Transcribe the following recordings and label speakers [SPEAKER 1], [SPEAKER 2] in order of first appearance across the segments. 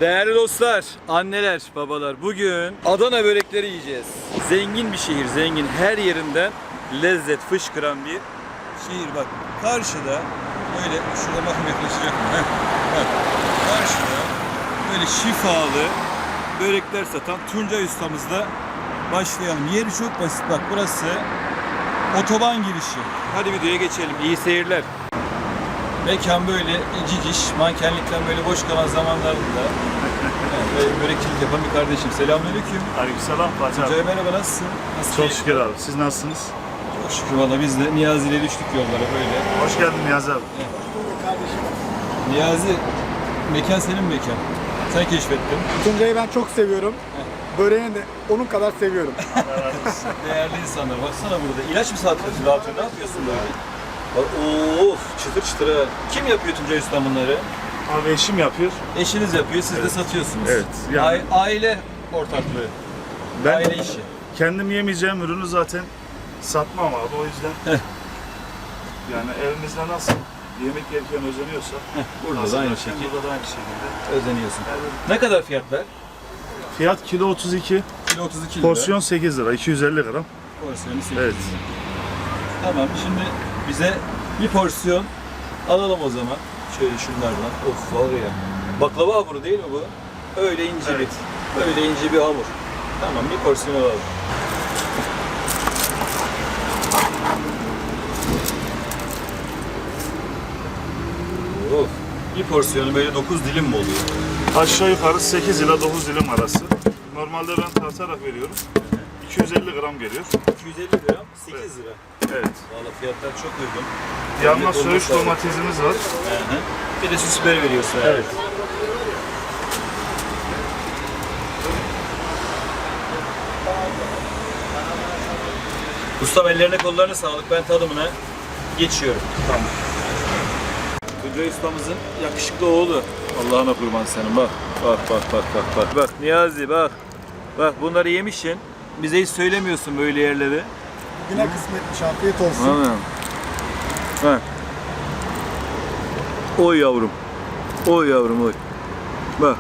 [SPEAKER 1] Değerli dostlar, anneler, babalar, bugün Adana börekleri yiyeceğiz. Zengin bir şehir, zengin. Her yerinden lezzet fışkıran bir şehir. Bak karşıda böyle, şurada bakın yaklaşacak mı? Bak karşıda böyle şifalı börekler satan Tuncay ustamızla başlayalım. Yeri çok basit, bak burası otoban girişi. Hadi videoya geçelim, iyi seyirler. Mekan böyle ciciş, mankenlikten böyle boş kalan zamanlarında böyle börekçilik yapan bir kardeşim. Selamünaleyküm.
[SPEAKER 2] Aleykümselam Fatih abi.
[SPEAKER 1] Tuncay merhaba, nasılsın? Nasıl
[SPEAKER 2] Çok
[SPEAKER 1] keyif?
[SPEAKER 2] şükür abi. Siz nasılsınız?
[SPEAKER 1] Çok şükür valla, biz de Niyazi ile düştük yollara böyle.
[SPEAKER 2] Hoş geldin Niyazi abi.
[SPEAKER 1] Niyazi, mekan senin mekan. Sen keşfettin.
[SPEAKER 3] Tuncay'ı ben çok seviyorum. Böreğini de onun kadar seviyorum.
[SPEAKER 1] Değerli insanlar, baksana burada. İlaç mı satıyorsun, dağıtıyorsun? Ne yapıyorsun böyle? Bak, of, çıtır çıtır ha. Kim yapıyor Tuncay Usta bunları?
[SPEAKER 2] Abi eşim yapıyor.
[SPEAKER 1] Eşiniz yapıyor, siz de satıyorsunuz.
[SPEAKER 2] Evet, yani-
[SPEAKER 1] Aile ortaklığı.
[SPEAKER 2] Ben
[SPEAKER 1] Aile işi.
[SPEAKER 2] kendim yemeyeceğim ürünü zaten satmam abi. O yüzden yani evimizde nasıl yemek yerken özeniyorsa
[SPEAKER 1] Burada da aynı şekilde
[SPEAKER 2] burada da aynı şekilde.
[SPEAKER 1] özeniyorsun.
[SPEAKER 2] Yani
[SPEAKER 1] Ne kadar fiyatlar?
[SPEAKER 2] fiyat kilo 32,
[SPEAKER 1] Kilo 32 lira.
[SPEAKER 2] porsiyon 8 lira, 250 gram.
[SPEAKER 1] Porsiyonu 8
[SPEAKER 2] Evet.
[SPEAKER 1] lira. Tamam, şimdi bize bir porsiyon alalım o zaman. Şöyle şunlardan. Of var ya. Baklava hamuru değil mi bu? Öyle ince
[SPEAKER 2] Evet.
[SPEAKER 1] öyle ince bir hamur. Tamam, bir porsiyon alalım. Of. Bir porsiyonu böyle 9 dilim mi oluyor?
[SPEAKER 2] Aşağı yukarı 8 ila 9 dilim arası. Normalde ben tartarak veriyorum. 250 gram geliyor.
[SPEAKER 1] 250 gram, 8 lira.
[SPEAKER 2] Evet.
[SPEAKER 1] Valla fiyatlar çok uygun.
[SPEAKER 2] Yanına
[SPEAKER 1] Devlet
[SPEAKER 2] söğüş
[SPEAKER 1] olması
[SPEAKER 2] domatesimiz var.
[SPEAKER 1] Hı hı. Bir de süs biberi veriyorsun.
[SPEAKER 2] Evet.
[SPEAKER 1] Ustam, ellerine kollarına sağlık. Ben tadımına geçiyorum.
[SPEAKER 2] Tamam.
[SPEAKER 1] Tuncay ustamızın yakışıklı oğlu. Allah'ına kurban senin, bak. Bak bak bak bak bak. Bak Niyazi, bak. Bak bunları yemişsin. Bize hiç söylemiyorsun böyle yerleri.
[SPEAKER 3] Yine kısmetmiş, afiyet olsun.
[SPEAKER 1] Anladın mı? Ha. Oy yavrum. Oy yavrum oy. Bak.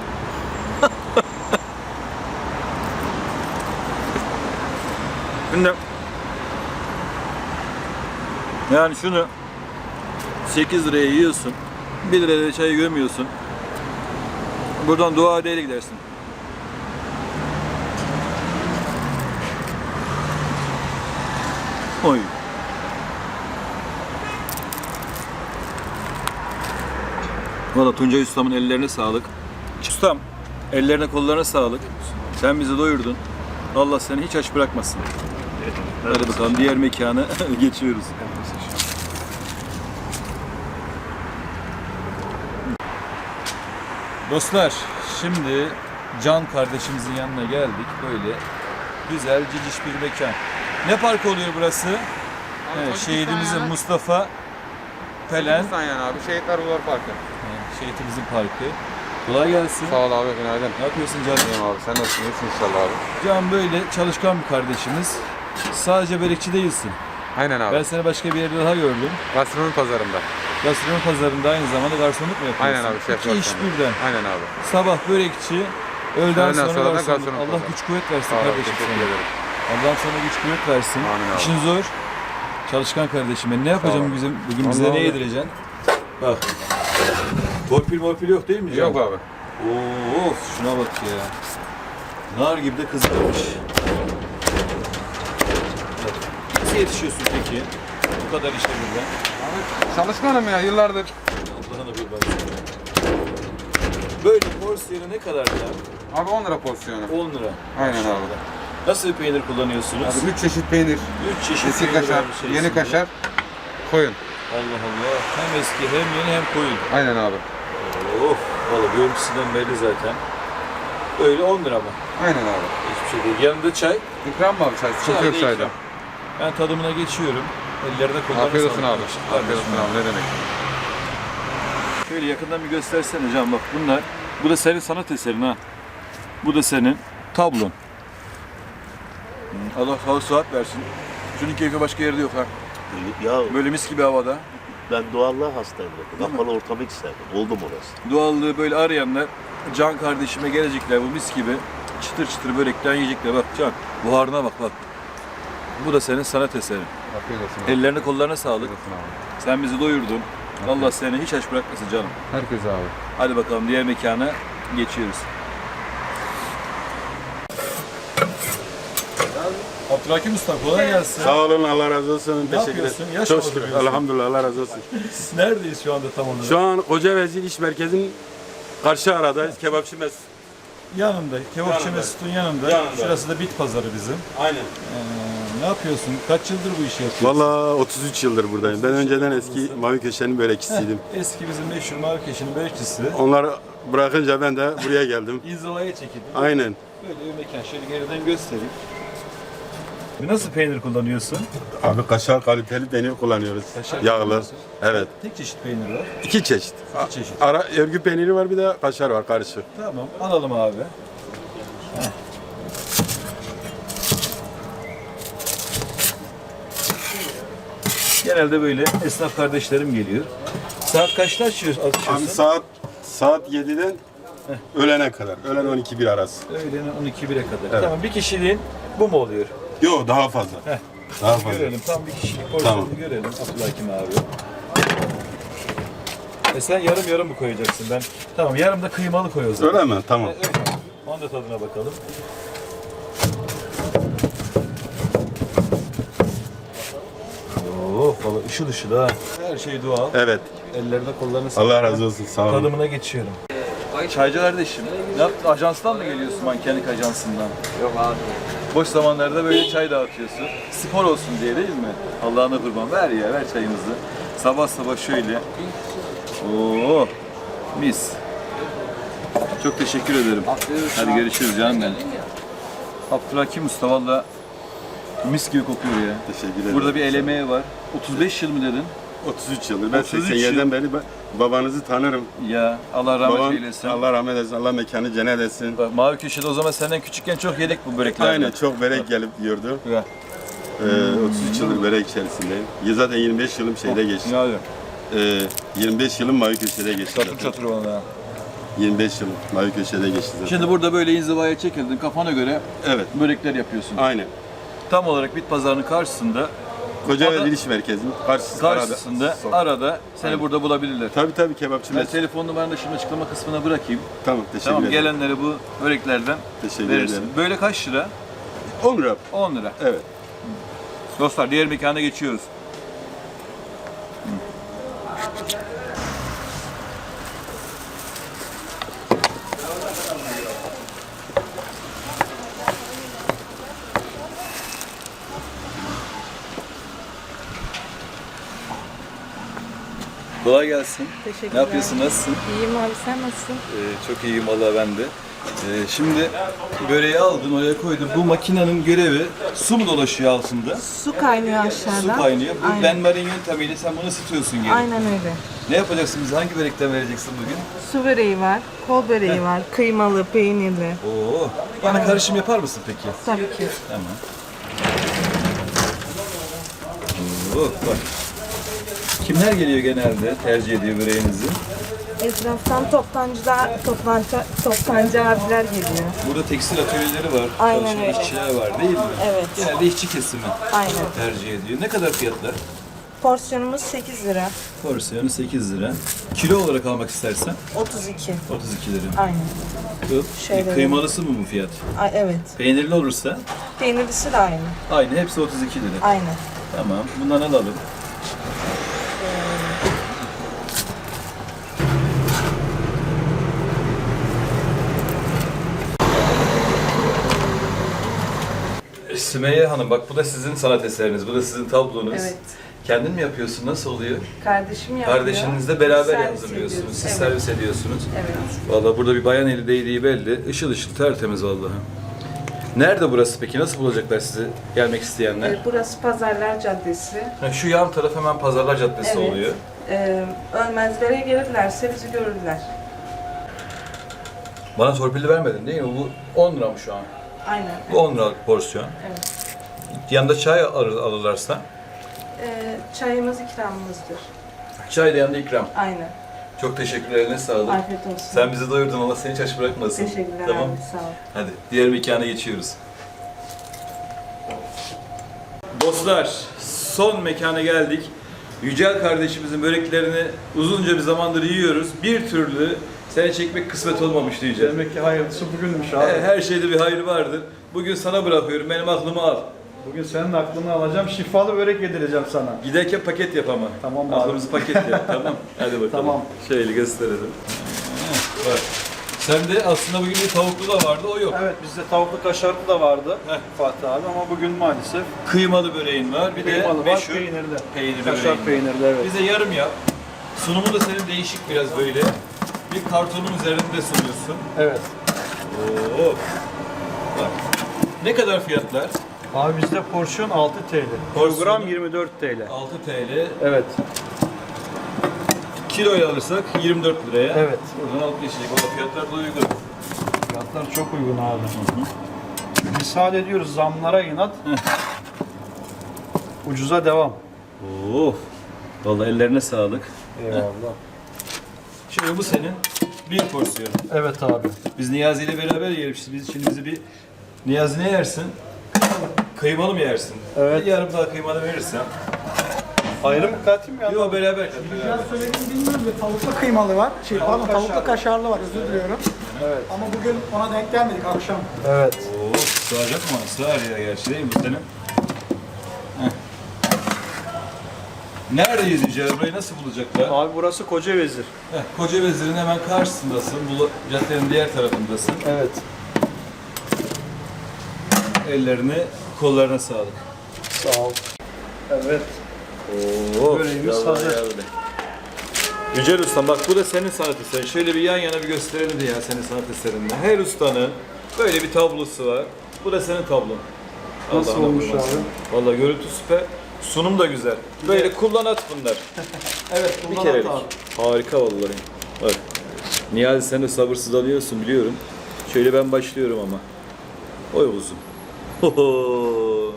[SPEAKER 1] Şimdi yani şunu 8 liraya yiyorsun. 1 liraya çay gömüyorsun. Buradan dua edeyle gidersin. Oy. Valla Tuncay Ustam'ın ellerine sağlık. Ustam, ellerine kollarına sağlık. Sen bizi doyurdun. Allah seni hiç aç bırakmasın. Hadi bakalım, diğer mekana geçiyoruz. Dostlar, şimdi Can kardeşimizin yanına geldik. Böyle güzel, ciciş bir mekan. Ne parkı oluyor burası? Evet, şehidimizin Mustafa Pelen,
[SPEAKER 4] Yani abi Şehitler Ruhlar Parkı.
[SPEAKER 1] şehitimizin parkı. Kolay gelsin.
[SPEAKER 4] Sağ ol abi, günaydın.
[SPEAKER 1] Ne yapıyorsun canım?
[SPEAKER 4] İyiyim abi, sen nasılsın? İyisin inşallah abi.
[SPEAKER 1] Can böyle çalışkan bir kardeşimiz. Sadece börekçi değilsin.
[SPEAKER 4] Aynen abi.
[SPEAKER 1] Ben seni başka bir yerde daha gördüm.
[SPEAKER 4] Gastronomi pazarında.
[SPEAKER 1] Gastronomi pazarında aynı zamanda garsonluk mu yapıyorsun?
[SPEAKER 4] Aynen abi, şef
[SPEAKER 1] İki iş
[SPEAKER 4] garsonu.
[SPEAKER 1] birden.
[SPEAKER 4] Aynen abi.
[SPEAKER 1] Sabah börekçi, öğleden sonra
[SPEAKER 4] sonra da
[SPEAKER 1] garsonluk.
[SPEAKER 4] garsonluk
[SPEAKER 1] Allah
[SPEAKER 4] pazarı.
[SPEAKER 1] güç kuvvet versin
[SPEAKER 4] Sağ ol abi,
[SPEAKER 1] kardeşim
[SPEAKER 4] teşekkür
[SPEAKER 1] sana.
[SPEAKER 4] ederim.
[SPEAKER 1] Allah'ım sana güç kuvvet versin.
[SPEAKER 4] Amin abi.
[SPEAKER 1] İşin zor. Çalışkan kardeşim. Ben ne yapacağım
[SPEAKER 4] ol.
[SPEAKER 1] bugün bize
[SPEAKER 4] Vallahi
[SPEAKER 1] ne
[SPEAKER 4] abi.
[SPEAKER 1] yedireceksin? Bak. Torpil morpil yok değil mi Can?
[SPEAKER 4] Yok abi.
[SPEAKER 1] Of, şuna bak ya. Nar gibi de kızarmış. Nasıl yetişiyorsun peki? Bu kadar işte burada.
[SPEAKER 4] Abi çalışkanım ya yıllardır.
[SPEAKER 1] Allah'ına kurban. Böyle porsiyonu ne kadar ya?
[SPEAKER 4] Abi 10 lira porsiyonu.
[SPEAKER 1] 10 lira.
[SPEAKER 4] Aynen
[SPEAKER 1] Maşallah.
[SPEAKER 4] abi.
[SPEAKER 1] Nasıl bir peynir kullanıyorsunuz?
[SPEAKER 4] Abi 3 çeşit peynir.
[SPEAKER 1] 3 çeşit
[SPEAKER 4] Eski
[SPEAKER 1] peynir
[SPEAKER 4] kaşar,
[SPEAKER 1] var içerisinde.
[SPEAKER 4] yeni kaşar, koyun.
[SPEAKER 1] Allah Allah. Hem eski hem yeni hem koyun.
[SPEAKER 4] Aynen abi.
[SPEAKER 1] Of. Valla görüntüsünden belli zaten. Öyle 10 lira mı?
[SPEAKER 4] Aynen abi.
[SPEAKER 1] Hiçbir şey değil. Yanında çay.
[SPEAKER 4] İkram mı abi çay? Sıkıntı yok
[SPEAKER 1] da
[SPEAKER 4] çayda.
[SPEAKER 1] ikram. Ben tadımına geçiyorum. Ellerine kollarına
[SPEAKER 4] Afiyet olsun
[SPEAKER 1] sağlık.
[SPEAKER 4] abi. Afiyet olsun abi, ne demek.
[SPEAKER 1] Şöyle yakından bir göstersene Can, bak bunlar. Bu da senin sanat eserin ha. Bu da senin tablon. Allah sağlık sıhhat versin. Şunun keyfi başka yerde yok ha.
[SPEAKER 2] Ya
[SPEAKER 1] Böyle mis gibi havada.
[SPEAKER 5] Ben doğallığa hastayım. Kapalı ortamı hiç sevmem. Oldum orası.
[SPEAKER 1] Doğallığı böyle arayanlar, Can kardeşime gelecekler bu mis gibi çıtır çıtır börekten yiyecekler. Bak Can, buharına bak bak. Bu da senin sanat eserin.
[SPEAKER 4] Afiyet olsun abi.
[SPEAKER 1] Ellerine kollarına sağlık.
[SPEAKER 4] Afiyet olsun abi.
[SPEAKER 1] Sen bizi doyurdun. Allah seni hiç aç bırakmasın canım.
[SPEAKER 4] Herkese abi.
[SPEAKER 1] Hadi bakalım diğer mekana geçiyoruz. Abdülhakim Usta kolay gelsin.
[SPEAKER 6] Sağ olun, Allah razı olsun. Teşekkür
[SPEAKER 1] yapıyorsun?
[SPEAKER 6] ederim.
[SPEAKER 1] Yaş
[SPEAKER 6] Çok
[SPEAKER 1] mı
[SPEAKER 6] şükür.
[SPEAKER 1] dolduruyorsun?
[SPEAKER 6] Elhamdülillah, Allah razı olsun.
[SPEAKER 1] Neredeyiz şu anda tam olarak?
[SPEAKER 6] Şu an Koca Vezir İş Merkezi'nin karşı aradayız. Kebapçı Mesut.
[SPEAKER 1] Yanında, Kebapçı
[SPEAKER 6] Yanında.
[SPEAKER 1] Mesut'un yanında.
[SPEAKER 6] Yanında.
[SPEAKER 1] Şurası da bit pazarı bizim.
[SPEAKER 6] Aynen.
[SPEAKER 1] Ne yapıyorsun? Kaç yıldır bu işi yapıyorsun?
[SPEAKER 6] Vallahi 33 yıldır buradayım. Ben önceden eski Mavi Köşe'nin börekçisiydim.
[SPEAKER 1] Eski bizim meşhur Marrakeş'in börekçisi.
[SPEAKER 6] Onları bırakınca ben de buraya geldim.
[SPEAKER 1] İnzivaya çekildi.
[SPEAKER 6] Aynen.
[SPEAKER 1] Böyle bir mekan. Şöyle geriden göstereyim. Nasıl peynir kullanıyorsun?
[SPEAKER 6] Abi kaşar kaliteli peynir kullanıyoruz.
[SPEAKER 1] Kaşar
[SPEAKER 6] Yağlı.
[SPEAKER 1] kullanıyorsun.
[SPEAKER 6] Evet.
[SPEAKER 1] Tek çeşit peynir var.
[SPEAKER 6] 2 çeşit.
[SPEAKER 1] İki çeşit.
[SPEAKER 6] Ara örgü peyniri var, bir de kaşar var karışık.
[SPEAKER 1] Tamam. Alalım abi. Heh. Genelde böyle esnaf kardeşlerim geliyor. Saat kaçta açıyorsun?
[SPEAKER 6] Abi saat 7'den öğlene kadar. Öğlen 12-1 arası.
[SPEAKER 1] Öğlenin 12-1'e kadar.
[SPEAKER 6] Evet.
[SPEAKER 1] Tamam, bir kişiliğin bu mu oluyor?
[SPEAKER 6] Yok, daha fazla.
[SPEAKER 1] Heh.
[SPEAKER 6] Daha fazla.
[SPEAKER 1] Görelim, tam bir kişilik porsiyonu
[SPEAKER 6] Tamam.
[SPEAKER 1] görelim Abdülhakim abi. Sen yarım yarım mı koyacaksın? Ben tamam, yarım da kıymalı koy o zaman.
[SPEAKER 6] Öyle mi? Tamam.
[SPEAKER 1] Evet. Onun da tadına bakalım. Oh, valla ışıl ışıl ha. Her şey doğal.
[SPEAKER 6] Evet.
[SPEAKER 1] Ellerine kollarına sağlık.
[SPEAKER 6] Allah razı olsun. Sağ olun.
[SPEAKER 1] Tadımına geçiyorum. Çaycı kardeşim, ne yaptın? Ajanstan mı geliyorsun, mankenlik ajansından? Yok abi. Boş zamanlarda böyle çay dağıtıyorsun. Spor olsun diye değil mi? Allah'ına kurban. Ver ya, ver çayımızı. Sabah sabah şöyle. Oo, mis. Çok teşekkür ederim. Hadi görüşürüz canım benim. Abdülhakim Usta valla mis gibi kokuyor ya.
[SPEAKER 6] Teşekkür ederim.
[SPEAKER 1] Burada bir el emeği var. 35 yıl mı dedin?
[SPEAKER 6] 33 yıldır. Ben
[SPEAKER 1] 33
[SPEAKER 6] 87'den beri babanızı tanırım.
[SPEAKER 1] Ya Allah rahmet
[SPEAKER 6] Babam,
[SPEAKER 1] eylesin.
[SPEAKER 6] Allah rahmet eylesin. Allah mekanı cennet etsin.
[SPEAKER 1] Bak, Mavi Köşe'de o zaman senden küçükken çok yedik bu böreklerden.
[SPEAKER 6] Aynen, çok börek gelip yiyordu.
[SPEAKER 1] Ya.
[SPEAKER 6] 33 yıldır börek içerisindeyim. Zaten 25 yılım şeyde geçti.
[SPEAKER 1] Ne abi?
[SPEAKER 6] 25 yılım Mavi Köşe'de geçti.
[SPEAKER 1] Çatır
[SPEAKER 6] zaten.
[SPEAKER 1] çatır valla.
[SPEAKER 6] 25 yılım Mavi Köşe'de geçti zaten.
[SPEAKER 1] Şimdi burada böyle inzivaya çekildin, kafana göre
[SPEAKER 6] Evet,
[SPEAKER 1] börekler yapıyorsun.
[SPEAKER 6] aynen.
[SPEAKER 1] Tam olarak bit pazarının karşısında,
[SPEAKER 6] Koca
[SPEAKER 1] Ada-
[SPEAKER 6] ve Diliş Merkezi'nin
[SPEAKER 1] karşısında arada seni
[SPEAKER 6] Aynen.
[SPEAKER 1] burada bulabilirler.
[SPEAKER 6] Tabii kebapçı
[SPEAKER 1] Ben
[SPEAKER 6] Mesut.
[SPEAKER 1] telefon numaranı da şimdi açıklama kısmına bırakayım.
[SPEAKER 6] Tamam, teşekkür
[SPEAKER 1] Tamam,
[SPEAKER 6] ederim.
[SPEAKER 1] gelenlere bu böreklerden
[SPEAKER 6] Teşekkür
[SPEAKER 1] verirsin.
[SPEAKER 6] ederim.
[SPEAKER 1] Böyle kaç lira?
[SPEAKER 6] 10 lira.
[SPEAKER 1] 10 lira.
[SPEAKER 6] Evet.
[SPEAKER 1] Dostlar diğer mekana geçiyoruz. Kolay gelsin.
[SPEAKER 7] Teşekkürler.
[SPEAKER 1] Ne yapıyorsun? Nasılsın?
[SPEAKER 7] İyiyim abi, sen nasılsın?
[SPEAKER 1] Çok iyiyim valla ben de. Şimdi böreği aldın, oraya koydun. Bu makinenin görevi su mu dolaşıyor altında?
[SPEAKER 7] Su kaynıyor aşağıdan.
[SPEAKER 1] Su kaynıyor. Bu
[SPEAKER 7] Aynen.
[SPEAKER 1] benmarin yöntemiyle sen bunu ısıtıyorsun geri.
[SPEAKER 7] Aynen öyle.
[SPEAKER 1] Ne yapacaksın bize? Hangi börekten vereceksin bugün?
[SPEAKER 7] Su böreği var, kol böreği var, kıymalı, peynirli.
[SPEAKER 1] Oo. Bana karışım yapar mısın peki?
[SPEAKER 7] Tabii ki.
[SPEAKER 1] Tamam. Oo, bak. Kimler geliyor genelde tercih ediyor böreğinizi?
[SPEAKER 7] Etraftan toptancı abiler geliyor.
[SPEAKER 1] Burada tekstil atölyeleri var,
[SPEAKER 7] Aynen
[SPEAKER 1] çalışan
[SPEAKER 7] öyle.
[SPEAKER 1] işçiler var değil mi?
[SPEAKER 7] Evet.
[SPEAKER 1] Genelde işçi kesimi
[SPEAKER 7] Aynen.
[SPEAKER 1] tercih ediyor. Ne kadar fiyatlar?
[SPEAKER 7] Porsiyonumuz 8 lira.
[SPEAKER 1] Porsiyonu 8 lira. Kilo olarak almak istersen
[SPEAKER 7] 32.
[SPEAKER 1] 32 lira.
[SPEAKER 7] Aynen.
[SPEAKER 1] Bu
[SPEAKER 7] Şöyle
[SPEAKER 1] kıymalısı mı bu fiyat?
[SPEAKER 7] Ay, evet.
[SPEAKER 1] Peynirli olursa
[SPEAKER 7] Peynirlisi de aynı.
[SPEAKER 1] aynı, hepsi 32 lira.
[SPEAKER 7] Aynen.
[SPEAKER 1] Tamam, bundan alalım. Sümeyye Hanım, bak bu da sizin sanat eseriniz, bu da sizin tablonuz.
[SPEAKER 7] Evet.
[SPEAKER 1] Kendin mi yapıyorsun, nasıl oluyor?
[SPEAKER 7] Kardeşim yapıyor.
[SPEAKER 1] Kardeşinizle beraber
[SPEAKER 7] Servis
[SPEAKER 1] hazırlıyorsunuz,
[SPEAKER 7] ediyoruz.
[SPEAKER 1] siz
[SPEAKER 7] Evet.
[SPEAKER 1] servis ediyorsunuz.
[SPEAKER 7] Evet.
[SPEAKER 1] Vallahi burada bir bayan eli değdiği belli, ışıl ışıl tertemiz vallahi. Nerede burası peki, nasıl bulacaklar sizi gelmek isteyenler?
[SPEAKER 7] Burası Pazarlar Caddesi.
[SPEAKER 1] Ha, şu yan taraf hemen Pazarlar Caddesi
[SPEAKER 7] Evet.
[SPEAKER 1] oluyor.
[SPEAKER 7] Ölmezlere gelirlerse bizi görürler.
[SPEAKER 1] Bana torpilli vermedin değil mi? Bu 10 lira mı şu an?
[SPEAKER 7] Aynen.
[SPEAKER 1] Bu 10 liralık porsiyon.
[SPEAKER 7] Evet.
[SPEAKER 1] Yanında çay alırlarsa
[SPEAKER 7] Çayımız ikramımızdır.
[SPEAKER 1] Çay da yanında ikram.
[SPEAKER 7] Aynen.
[SPEAKER 1] Çok teşekkürler, eline sağlık.
[SPEAKER 7] Afiyet olsun.
[SPEAKER 1] Sen bizi doyurdun, Allah seni hiç aç bırakmasın.
[SPEAKER 7] Teşekkürler
[SPEAKER 1] Tamam.
[SPEAKER 7] abi, sağ ol.
[SPEAKER 1] Hadi diğer mekana geçiyoruz. Dostlar, son mekana geldik. Yücel kardeşimizin böreklerini uzunca bir zamandır yiyoruz. Bir türlü seni çekmek kısmet olmamıştı Yücel.
[SPEAKER 3] Demek ki hayırlısı bugünmüş abi.
[SPEAKER 1] Her şeyde bir hayır vardır. Bugün sana bırakıyorum, benim aklımı al.
[SPEAKER 3] Bugün senin aklını alacağım. Şifalı börek yedireceğim sana.
[SPEAKER 1] Giderken paket yap ama.
[SPEAKER 3] Tamam abi.
[SPEAKER 1] Aklımızı paket yap, tamam. Hadi bakalım.
[SPEAKER 3] Tamam.
[SPEAKER 1] Şöyle gösterelim. Bak. Sende aslında bugün bir tavuklu da vardı, o yok.
[SPEAKER 3] Evet, bizde tavuklu kaşarlı da vardı
[SPEAKER 1] Heh.
[SPEAKER 3] Fatih abi ama bugün maalesef
[SPEAKER 1] Kıymalı böreğin var, bir
[SPEAKER 3] kıymalı
[SPEAKER 1] de
[SPEAKER 3] var,
[SPEAKER 1] meşhur
[SPEAKER 3] peynirli.
[SPEAKER 1] peynirli
[SPEAKER 3] Kaşar
[SPEAKER 1] böreğin var.
[SPEAKER 3] peynirli, evet.
[SPEAKER 1] Bize yarım yap. Sunumu da senin değişik biraz böyle. Bir kartonun üzerinde sunuyorsun.
[SPEAKER 3] Evet.
[SPEAKER 1] Oo. Bak. Ne kadar fiyatlar?
[SPEAKER 3] Abi bizde porsiyon 6 TL.
[SPEAKER 1] Porsiyonu-
[SPEAKER 3] Kilogram 24 TL.
[SPEAKER 1] 6 TL.
[SPEAKER 3] Evet.
[SPEAKER 1] Kiloyla alırsak 24 liraya.
[SPEAKER 3] Evet.
[SPEAKER 1] Buradan alıp geçecek. O da fiyatlar da uygun.
[SPEAKER 3] Fiyatlar çok uygun abi. Misal ediyoruz zamlara inat. Ucuza devam.
[SPEAKER 1] Oo. Vallahi ellerine sağlık.
[SPEAKER 3] Eyvallah.
[SPEAKER 1] Şimdi bu senin bir porsiyonu.
[SPEAKER 3] Evet abi.
[SPEAKER 1] Biz Niyazi ile beraber yiyelim. Biz şimdi bizi bir Niyazi ne yersin? Kıymalı mı yersin?
[SPEAKER 3] Evet.
[SPEAKER 1] Bir yarım daha kıymalı verirsen.
[SPEAKER 3] Ayrı mı katayım ya?
[SPEAKER 1] Yok beraber kat.
[SPEAKER 3] Biraz söylediğimi bilmiyorum da tavuklu kıymalı var. Pardon tavuklu kaşarlı var, özür diliyorum. Evet. Ama bugün ona denk gelmedik akşam. Evet.
[SPEAKER 1] Oo, sığacak mı ona? Sığar ya gerçi değil mi bu senin? Heh. Neredeyiz Yücel? Burayı nasıl bulacaklar?
[SPEAKER 3] Abi burası Kocavezir.
[SPEAKER 1] Koca Vezir'in hemen karşısındasın. Bu caddenin diğer tarafındasın.
[SPEAKER 3] Evet.
[SPEAKER 1] Ellerine, kollarına sağlık.
[SPEAKER 3] Sağ ol. Evet.
[SPEAKER 1] Oo,
[SPEAKER 3] Böreğimiz hazır.
[SPEAKER 1] Yücel Usta bak bu da senin sanat eserin. Şöyle bir yan yana bir gösterelim de ya senin sanat eserinde. Her ustanın böyle bir tablosu var. Bu da senin tablon.
[SPEAKER 3] Nasıl
[SPEAKER 1] Allah'ına
[SPEAKER 3] olmuş
[SPEAKER 1] vurmasın.
[SPEAKER 3] abi?
[SPEAKER 1] Vallahi görüntü süper. Sunum da güzel. Böyle kullan at bunlar.
[SPEAKER 3] Evet,
[SPEAKER 1] Bir kerelik. Harika vallahi. Bak. Niyazi sen de sabırsız alıyorsun biliyorum. Şöyle ben başlıyorum ama. Oy uzun. Hoho.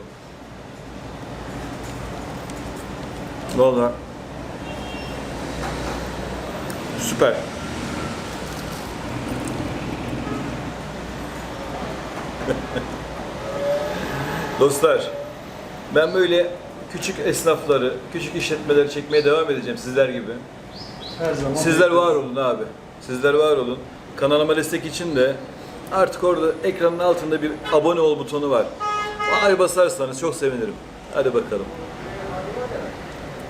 [SPEAKER 1] Vallahi. Süper. Dostlar, ben böyle küçük esnafları, küçük işletmeleri çekmeye devam edeceğim sizler gibi.
[SPEAKER 3] Her zaman.
[SPEAKER 1] Sizler var olun abi. Sizler var olun. Kanalıma destek için de artık orada ekranın altında bir abone ol butonu var. Ona basarsanız çok sevinirim. Hadi bakalım.